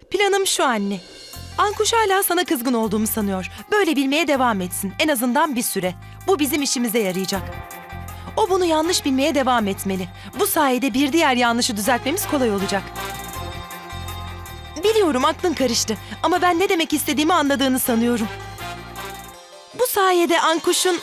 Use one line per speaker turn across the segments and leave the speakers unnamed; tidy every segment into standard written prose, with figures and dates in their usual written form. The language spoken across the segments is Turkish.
Planım şu anne. Ankuş hala sana kızgın olduğumu sanıyor. Böyle bilmeye devam etsin. En azından bir süre. Bu bizim işimize yarayacak. O bunu yanlış bilmeye devam etmeli. Bu sayede bir diğer yanlışı düzeltmemiz kolay olacak. Biliyorum aklın karıştı ama ben ne demek istediğimi anladığını sanıyorum. Bu sayede Ankuş'un...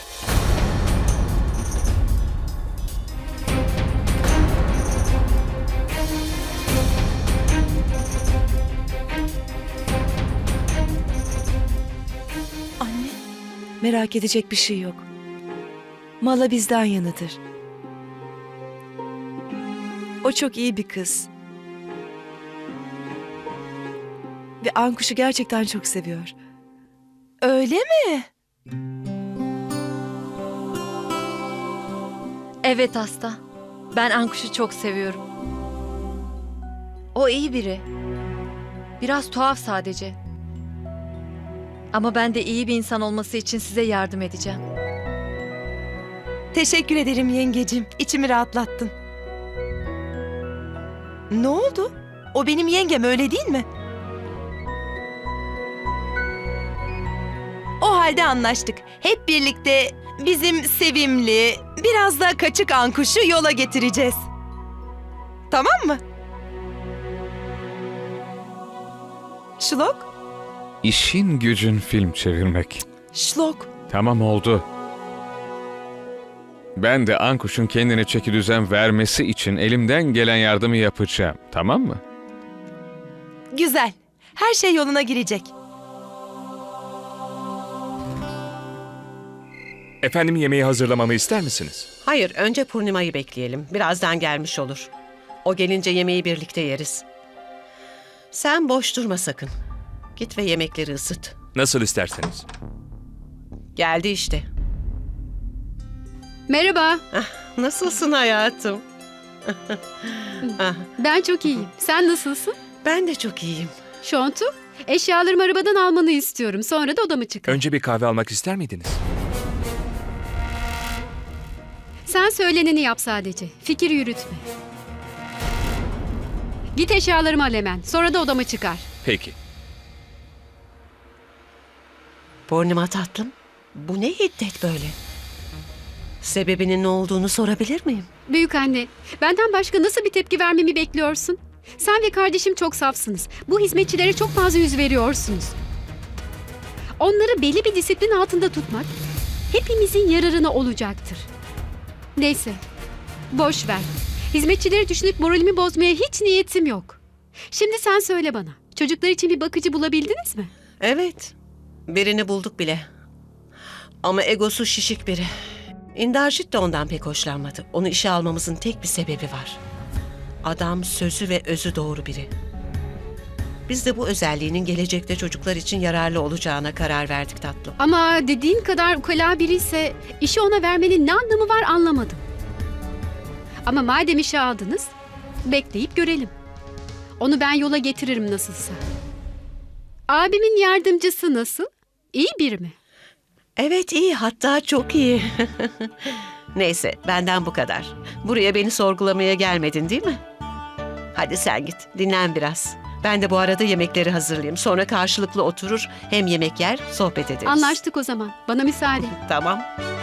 Anne,
Merak edecek bir şey yok. Mala bizden yanıdır. O çok iyi bir kız. Ve Ankuş'u gerçekten çok seviyor.
öyle mi?
Evet Asta. Ben Ankuş'u çok seviyorum. O iyi biri. Biraz tuhaf sadece. Ama ben de iyi bir insan olması için size yardım edeceğim.
Teşekkür ederim yengecim. İçimi rahatlattın. Ne oldu? O benim yengem, öyle değil mi? O halde anlaştık. Hep birlikte bizim sevimli, biraz da kaçık Ankuş'u yola getireceğiz. Tamam mı? Şlok?
İşin gücün film çevirmek.
Şlok.
Tamam oldu. Ben de Ankuş'un kendine çekidüzen vermesi için elimden gelen yardımı yapacağım. Tamam mı?
Güzel. Her şey yoluna girecek.
Efendim yemeği hazırlamamı ister misiniz?
Hayır, önce Purnima'yı bekleyelim. Birazdan gelmiş olur. O gelince yemeği birlikte yeriz. Sen boş durma sakın. Git ve yemekleri ısıt.
Nasıl isterseniz.
Geldi işte.
Merhaba,
Nasılsın hayatım?
ben çok iyiyim. Sen nasılsın?
Ben de çok iyiyim.
Şontu, eşyalarımı arabadan almanı istiyorum. Sonra da odama çıkın.
Önce bir kahve almak ister miydiniz?
Sen söyleneni yap sadece. Fikir yürütme. Git eşyalarımı al hemen. Sonra da odama çıkar.
Peki.
Purnima tatlım, bu ne hiddet böyle? Sebebinin ne olduğunu sorabilir miyim?
Büyük anne, benden başka nasıl bir tepki vermemi bekliyorsun? Sen ve kardeşim çok safsınız. Bu hizmetçilere çok fazla yüz veriyorsunuz. Onları belli bir disiplin altında tutmak hepimizin yararına olacaktır. Neyse, boş ver. Hizmetçileri düşünüp moralimi bozmaya hiç niyetim yok. Şimdi sen söyle bana, çocuklar için bir bakıcı bulabildiniz mi?
Evet, birini bulduk bile. Ama egosu şişik biri. İndarjit de ondan pek hoşlanmadı. Onu işe almamızın tek bir sebebi var. Adam sözü ve özü doğru biri. Biz de bu özelliğinin gelecekte çocuklar için yararlı olacağına karar verdik tatlım.
Ama dediğin kadar ukala biri ise işi ona vermenin ne anlamı var anlamadım. Ama madem işe aldınız, bekleyip görelim. Onu ben yola getiririm nasılsa. Abimin yardımcısı nasıl? İyi biri mi?
Evet iyi, hatta çok iyi. Neyse, benden bu kadar. Buraya beni sorgulamaya gelmedin değil mi? Hadi sen git, dinlen biraz. Ben de bu arada yemekleri hazırlayayım. Sonra karşılıklı oturur, hem yemek yer, sohbet ederiz.
Anlaştık o zaman. Bana müsaade.
Tamam.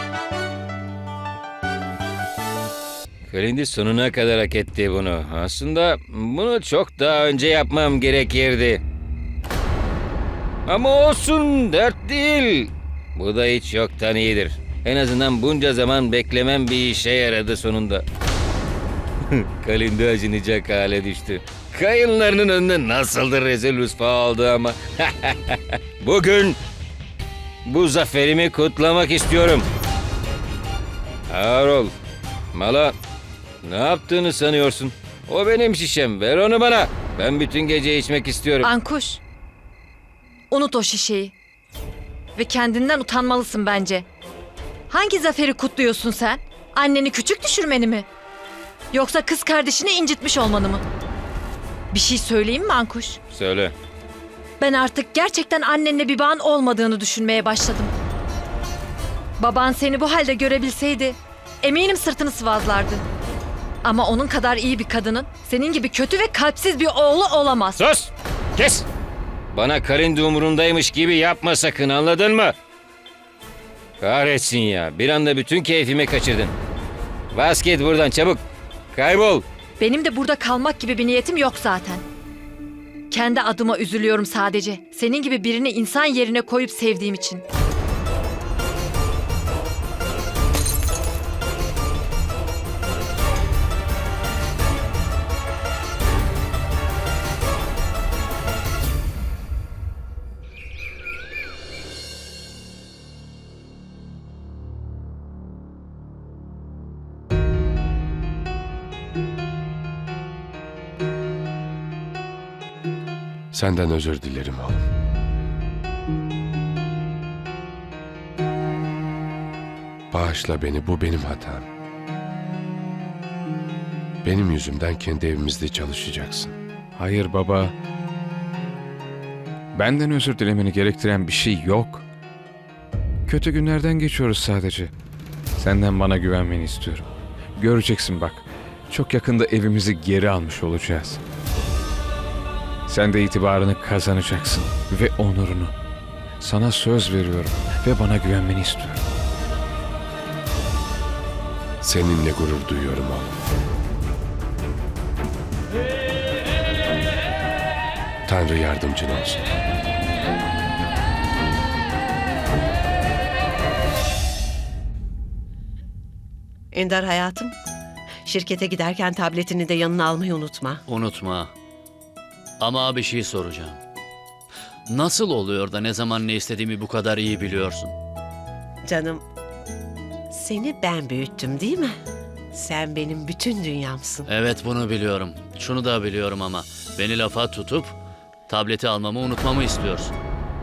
Kalindi sonuna kadar hak etti bunu. Aslında bunu çok daha önce yapmam gerekirdi. Ama olsun, dert değil. Bu da hiç yoktan iyidir. En azından bunca zaman beklemem bir işe yaradı sonunda. Kalindi acınacak hale düştü. Kayınlarının önünde nasıldır rezil rüsva oldu ama. Bugün bu zaferimi kutlamak istiyorum. Ağır ol. Mala, ne yaptığını sanıyorsun? O benim şişem, ver onu bana. Ben bütün gece içmek istiyorum.
Ankuş. Unut o şişeyi. Ve kendinden utanmalısın bence. Hangi zaferi kutluyorsun sen? Anneni küçük düşürmeni mi? Yoksa kız kardeşini incitmiş olmanı mı? Bir şey söyleyeyim mi Ankuş?
Söyle.
Ben artık gerçekten annenle bir bağın olmadığını düşünmeye başladım. Baban seni bu halde görebilseydi eminim sırtını sıvazlardı. Ama onun kadar iyi bir kadının senin gibi kötü ve kalpsiz bir oğlu olamaz.
Sus! Kes! Bana Kalindi umurundaymış gibi yapma sakın, anladın mı? Kahretsin ya, bir anda bütün keyfimi kaçırdın. Bas git buradan çabuk. Kaybol.
Benim de burada kalmak gibi bir niyetim yok zaten. Kendi adıma üzülüyorum sadece. Senin gibi birini insan yerine koyup sevdiğim için.
Senden özür dilerim oğlum. Bağışla beni, bu benim hatam. Benim yüzümden kendi evimizde çalışacaksın.
Hayır baba. Benden özür dilemeni gerektiren bir şey yok. Kötü günlerden geçiyoruz sadece. Senden bana güvenmeni istiyorum. Göreceksin bak. Çok yakında evimizi geri almış olacağız. Sen de itibarını kazanacaksın ve onurunu. Sana söz veriyorum ve bana güvenmeni istiyorum.
Seninle gurur duyuyorum oğlum. Tanrı yardımcın olsun.
Ender hayatım, şirkete giderken tabletini de yanına almayı unutma.
Unutma. Ama bir şey soracağım. Nasıl oluyor da ne zaman ne istediğimi bu kadar iyi biliyorsun?
Canım, seni ben büyüttüm değil mi? Sen benim bütün dünyamsın.
Evet, bunu biliyorum. Şunu da biliyorum ama beni lafa tutup tableti almamı unutmamı istiyorsun.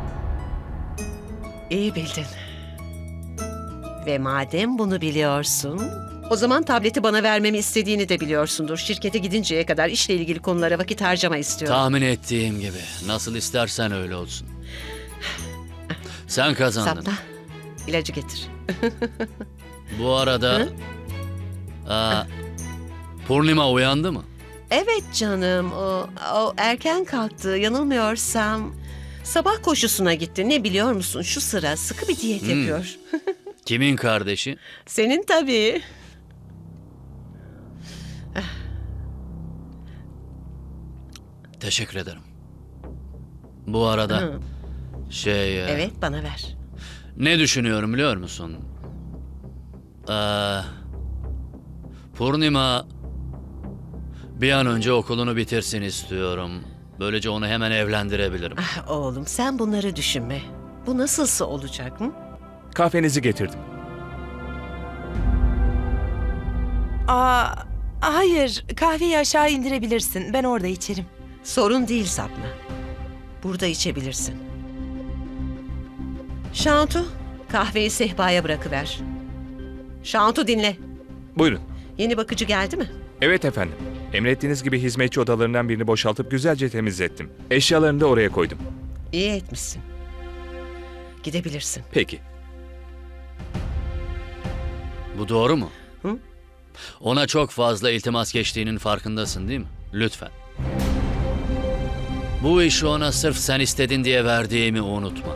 İyi bildin. Ve madem bunu biliyorsun, o zaman tableti bana vermemi istediğini de biliyorsundur. Şirkete gidinceye kadar işle ilgili konulara vakit harcama istiyorum.
Tahmin ettiğim gibi. Nasıl istersen öyle olsun. Sen kazandın.
Sapna, ilacı getir.
Bu arada...
Hı?
Purnima uyandı mı?
Evet canım, o erken kalktı. Yanılmıyorsam sabah koşusuna gitti. Ne biliyor musun? Şu sıra sıkı bir diyet yapıyor.
Kimin kardeşi?
Senin tabii.
Teşekkür ederim. Bu arada
Hı. Evet, bana ver.
ne düşünüyorum biliyor musun? Purnima bir an önce okulunu bitirsin istiyorum. Böylece onu hemen evlendirebilirim.
Ah, oğlum, sen bunları düşünme. Bu nasılsa olacak mı?
Kahvenizi getirdim.
Hayır, kahveyi aşağı indirebilirsin. Ben orada içerim.
Sorun değil Sapna. Burada içebilirsin. Şantu, kahveyi sehpaya bırakıver. Şantu dinle.
Buyurun.
Yeni bakıcı geldi mi?
Evet efendim. Emrettiğiniz gibi hizmetçi odalarından birini boşaltıp güzelce temizlettim. Eşyalarını da oraya koydum.
İyi etmişsin. Gidebilirsin.
Peki.
Bu doğru mu?
Hı?
Ona çok fazla iltimas geçtiğinin farkındasın değil mi? Lütfen. Bu işi ona sırf sen istedin diye verdiğimi unutma.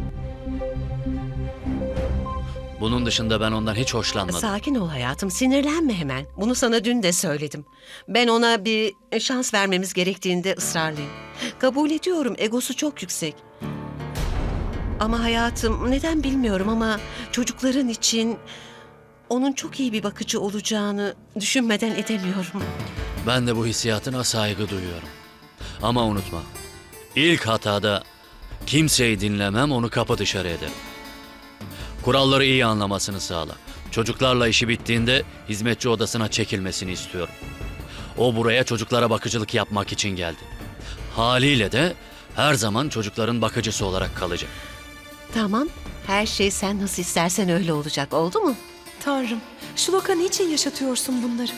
Bunun dışında ben ondan hiç hoşlanmadım.
Sakin ol hayatım, sinirlenme hemen. Bunu sana dün de söyledim. Ben ona bir şans vermemiz gerektiğinde ısrarlıyım. Kabul ediyorum, egosu çok yüksek. Ama hayatım, neden bilmiyorum ama çocukların için onun çok iyi bir bakıcı olacağını düşünmeden edemiyorum.
Ben de bu hissiyatına saygı duyuyorum. Ama unutma, ilk hatada kimseyi dinlemem, onu kapı dışarı ederim. Kuralları iyi anlamasını sağla. Çocuklarla işi bittiğinde hizmetçi odasına çekilmesini istiyorum. O buraya çocuklara bakıcılık yapmak için geldi. Haliyle de her zaman çocukların bakıcısı olarak kalacak.
Tamam, her şey sen nasıl istersen öyle olacak, oldu mu?
Tanrım, Şloka niçin yaşatıyorsun bunları?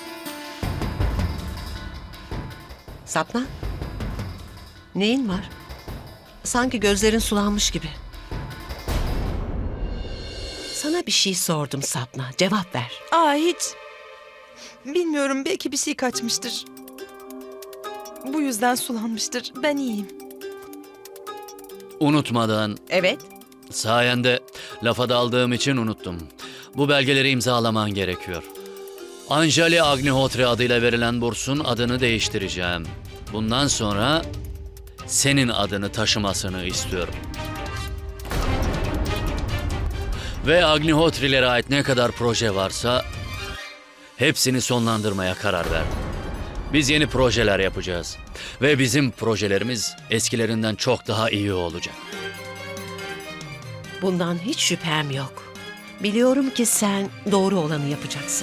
Sapna, neyin var? Sanki gözlerin sulanmış gibi. Sana bir şey sordum Sapna, cevap ver.
Hiç. Bilmiyorum, belki bir şey kaçmıştır. Bu yüzden sulanmıştır. Ben iyiyim.
Unutmadan,
Evet.
sayende lafa daldığım için unuttum. Bu belgeleri imzalaman gerekiyor. Anjali Agnihotri adıyla verilen bursun adını değiştireceğim. Bundan sonra senin adını taşımasını istiyorum. Ve Agnihotri'lere ait ne kadar proje varsa hepsini sonlandırmaya karar verdim. Biz yeni projeler yapacağız. Ve bizim projelerimiz eskilerinden çok daha iyi olacak.
Bundan hiç şüphem yok. Biliyorum ki sen doğru olanı yapacaksın.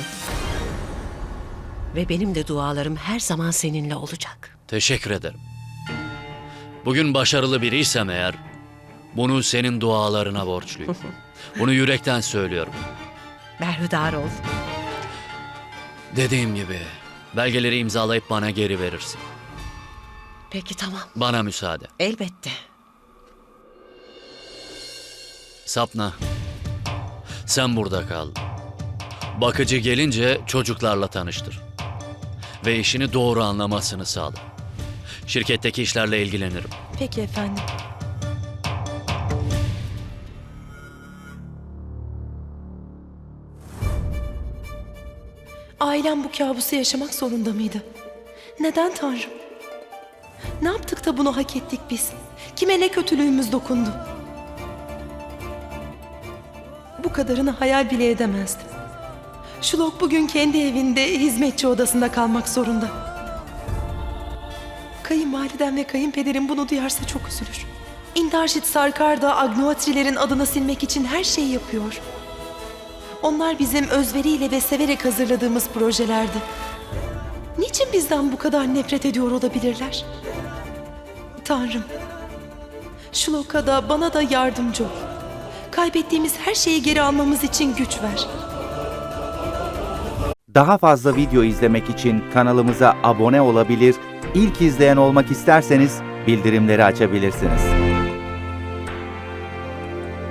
Ve benim de dualarım her zaman seninle olacak.
Teşekkür ederim. Bugün başarılı biriysem eğer, bunu senin dualarına borçluyum. Bunu yürekten söylüyorum.
Berhudar ol.
Dediğim gibi, belgeleri imzalayıp bana geri verirsin.
Peki tamam.
Bana müsaade.
Elbette.
Sapna, sen burada kal. Bakıcı gelince çocuklarla tanıştır. Ve işini doğru anlamasını sağla. Şirketteki işlerle ilgilenirim.
Peki efendim. Ailem bu kabusu yaşamak zorunda mıydı? Neden Tanrım? Ne yaptık da bunu hak ettik biz? Kime ne kötülüğümüz dokundu? Bu kadarını hayal bile edemezdim. Şulok bugün kendi evinde hizmetçi odasında kalmak zorunda. Kayınvalidem ve kayınpederim bunu duyarsa çok üzülür. İndarjit Sarkar da Agnihotri'lerin adını silmek için her şeyi yapıyor. Onlar bizim özveriyle ve severek hazırladığımız projelerdi. Niçin bizden bu kadar nefret ediyor olabilirler? Tanrım, Şulok'a da bana da yardımcı ol. Kaybettiğimiz her şeyi geri almamız için güç ver.
Daha fazla video izlemek için kanalımıza abone olabilir, ilk izleyen olmak isterseniz bildirimleri açabilirsiniz.